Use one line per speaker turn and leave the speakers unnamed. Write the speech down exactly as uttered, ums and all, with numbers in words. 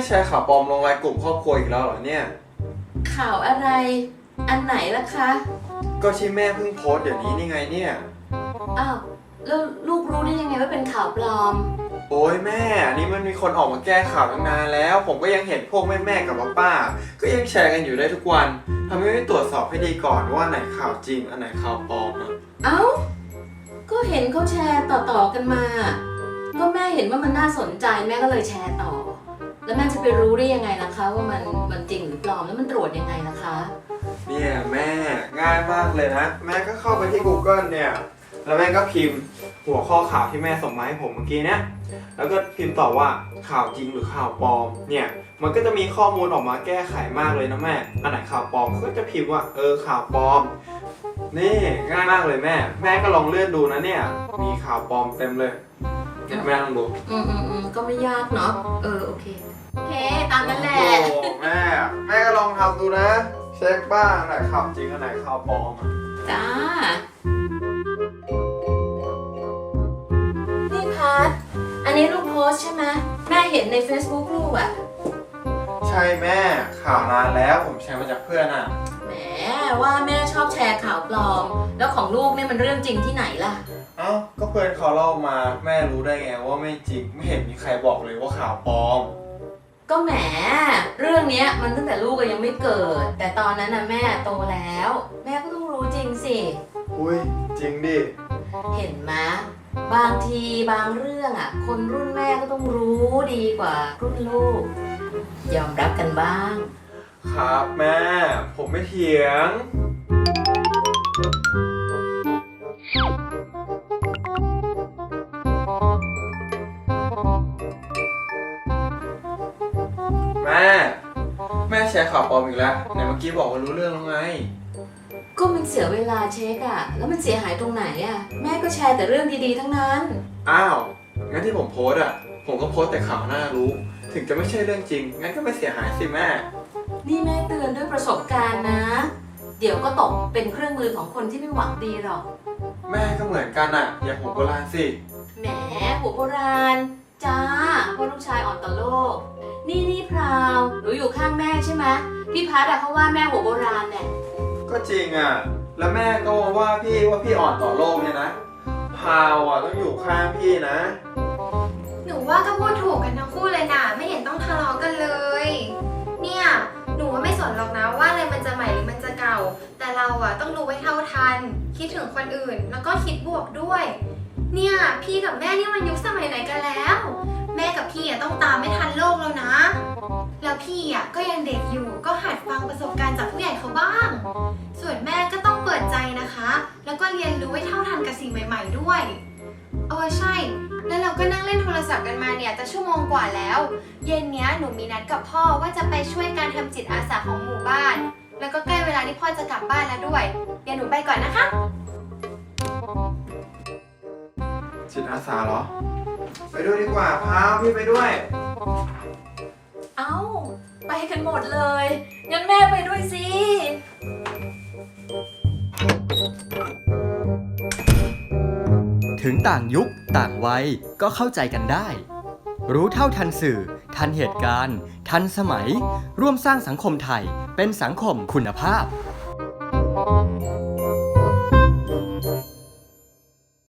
แชร์ข่าวปลอมลงไลน์กลุ่มครอบครัวอีกแล้วเหรอเนี่ย
ข่าวอะไรอันไหนล่ะคะ
ก็ที่แม่เพิ่งโพสต์เดี๋ยวนี้นี่ไงเนี่ย
อ้าวแล้วลูกรู้ได้ยังไงว่าเป็นข่าวปลอม
โอ้ยแม่อันนี้มันมีคนออกมาแก้ข่าวตั้งนานแล้วผมก็ยังเห็นพวกแม่แม่กับป้าก็ยังแชร์กันอยู่ได้ทุกวันทำไมไม่ตรวจสอบให้ดีก่อนว่าไหนข่าวจริงอันไหนข่าวปลอมอ่ะ
เอ้าก็เห็นเขาแชร์ต่อๆกันมาก็แม่เห็นว่ามันน่าสนใจแม่ก็เลยแชร์ต่อแล้วแม่จะไปรู้ได้ยังไงล่ะคะว่ามันมันจริงหรือปลอมแล้วมันตรวจยังไงล่ะคะ
เนี่ยแม่ง่ายมากเลยนะแม่ก็เข้าไปที่ Google เนี่ยแล้วแม่ก็พิมพ์หัวข้อข่าวที่แม่ส่งมาให้ผมเมื่อกี้เนี่ยแล้วก็พิมพ์ต่อว่าข่าวจริงหรือข่าวปลอมเนี่ยมันก็จะมีข้อมูลออกมาแก้ไขมากเลยนะแม่อันไหนข่าวปลอมก็จะพิมพ์ว่าเออข่าวปลอมนี่ง่ายมากเลยแม่แม่ก็ลองเลื่อนดูนะเนี่ยมีข่าวปลอมเต็มเลยแม่ลองดู
อืมอืมอืมก็ไม่ยากเนาะเออโอเคโอเคตามนั้นแหละ
โอ้แม่แม่ก็ลองทำดูนะเช็คบ้างอันไหนข่าวจริงอันไหนข่าวปลอม
จ้านี่พัดอันนี้ลูกโพสใช่ไหมแม่เห็นใน Facebook ลูกอ่ะ
ใช่แม่ข่าวนานแล้วผมแชร์มาจากเพื่อนอ่ะ
แหมว่าแม่ชอบแชร์ข่าวปลอมแล้วของลูกนี่มันเรื่องจริงที่ไหนล่ะ
เอ้าก็เพื่อนเขาเล่ามาแม่รู้ได้ไงว่าไม่จริงไม่เห็นมีใครบอกเลยว่าข่าวปลอม
ก็แหมเรื่องนี้มันตั้งแต่ลูกยังไม่เกิดแต่ตอนนั้นนะแม่โตแล้วแม่ก็ต้องรู้จริงสิ
อุ้ยจริงดิ
เห็นไหมบางทีบางเรื่องอ่ะคนรุ่นแม่ก็ต้องรู้ดีกว่ารุ่นลูกยอมรับกันบ้าง
ครับแม่ผมไม่เถียงแม่แม่แชร์ข่าวปลอมอีกแล้วไหนเมื่อกี้บอกว่ารู้เรื่องแล้วไง
ก็มันเสียเวลาเช็คอะแล้วมันเสียหายตรงไหนอะแม่ก็แชร์แต่เรื่องดีๆทั้งนั้น
อ้าวงั้นที่ผมโพสอะผมก็โพสแต่ข่าวน่ารู้ถึงจะไม่ใช่เรื่องจริงงั้นก็ไม่เสียหายสิแม่
นี่แม่เตือนด้วยประสบการณ์นะเดี๋ยวก็ตกเป็นเครื่องมือของคนที่ไม่หวังดีหรอก
แม่ก็เหมือนกันอะอย่าหัวโบราณสิ
แหมหัวโบราณจ้าเพราะลูกชายอ่อนต่อโลกนี่นี่พราวหนูอยู่ข้างแม่ใช่ไหมพี่พัดอะเขาว่าแม่หัวโบราณเนี่ย
ก็จริงอะแล้วแม่ก็ว่าพี่ว่าพี่อ่อนต่อโลกเนี่ยนะพาวอะต้องอยู่ข้างพี่นะ
หนูว่าก็พูดถูกกันทั้งคู่เลยนะไม่เห็นต้องทะเลาะกันเลยเนี่ยหนูว่าไม่สนหรอกนะว่าอะไรมันจะใหม่หรือมันจะเก่าแต่เราอะต้องรู้ไว้เท่าทันคิดถึงคนอื่นแล้วก็คิดบวกด้วยเนี่ยพี่กับแม่นี่มันยุคสมัยไหนกันแล้วแม่กับพี่อะต้องตามไม่ทันโลกแล้วนะแล้วพี่อะก็ยังเด็กอยู่ก็หัดฟังประสบการณ์จากผู้ใหญ่เขาบ้างส่วนแม่ก็ต้องเปิดใจนะคะแล้วก็เรียนรู้ไว้เท่าทันกับสิ่งใหม่ๆด้วยเออใช่แล้วเราก็นั่งเล่นโทรศัพท์กันมาเนี่ยจะชั่วโมงกว่าแล้วเย็นเนี้ยหนูมีนัดกับพ่อว่าจะไปช่วยการทำจิตอาสาของหมู่บ้านแล้วก็ใกล้เวลาที่พ่อจะกลับบ้านแล้วด้วยเดี๋ยวหนูไปก่อนนะคะ
จิตอาสาเหรอไปด้วยดีกว่าพาพี่ไปด้วย
เอ้าไปกันหมดเลยงั้นแม่ไปด้วยสิ
ถึงต่างยุคต่างวัยก็เข้าใจกันได้รู้เท่าทันสื่อทันเหตุการณ์ทันสมัยร่วมสร้างสังคมไทยเป็นสังคมคุณภาพ